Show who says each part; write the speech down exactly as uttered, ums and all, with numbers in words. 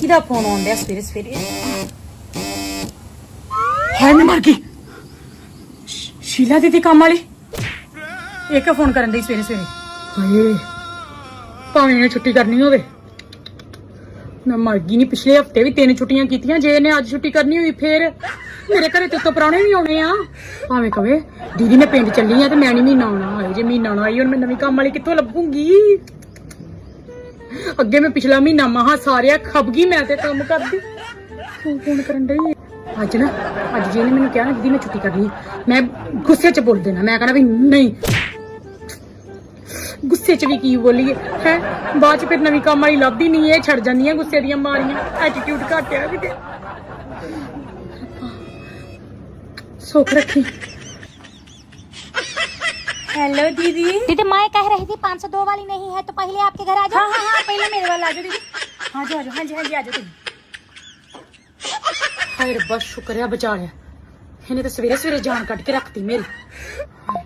Speaker 1: किदा phone आउंदा सवेरे सवेरे हाय मैं मर गई शीला दीदी काम वाली एक फोन करन दी सवेरे सवेरे हाय भावें ने छुट्टी करनी होवे मैं मर गई नहीं पिछले हफ्ते भी तीन छुट्टियां कीतियां जे ने अज छुट्टी करनी हुई फिर मेरे घरे ते तो प्राणे भी आने आ भावें कवे दीदी मैं पिंड चली आ ते मैं नहीं महीना आना हाय जे महीना ना आई हुण मैं नवीं काम वाली कित्थों लभूंगी अगे मैं पिछला महीना महा सारे खप गई मैं ते काम करदी फोन फोन करन दई अज ना अज जी ने मैनू कहा ना दीदी मैं छुट्टी करनी मैं गुस्से च बोल देना मैं कहना भी नहीं गुस्से च भी की बोलीए है बाद च फिर नवीं काम वाली लभदी नहीं है छड़ जांदियां गुस्से दियां मारियां एटीट्यूड घट है किते सुख रखी हेलो दीदी
Speaker 2: दीदी मैं कह रही थी पाँच सौ दो वाली नहीं है तो पहले आपके घर आ जाओ।
Speaker 1: हाँ हाँ हाँ पहले मेरे वाला आ जाओ दीदी हाँ जी आ जाओ हाँ जी हाँ जी आ जाओ हाय रब्बा शुक्र है बचा लिया इन्हें तो सवेरे सवेरे जान कट के रखती मेरी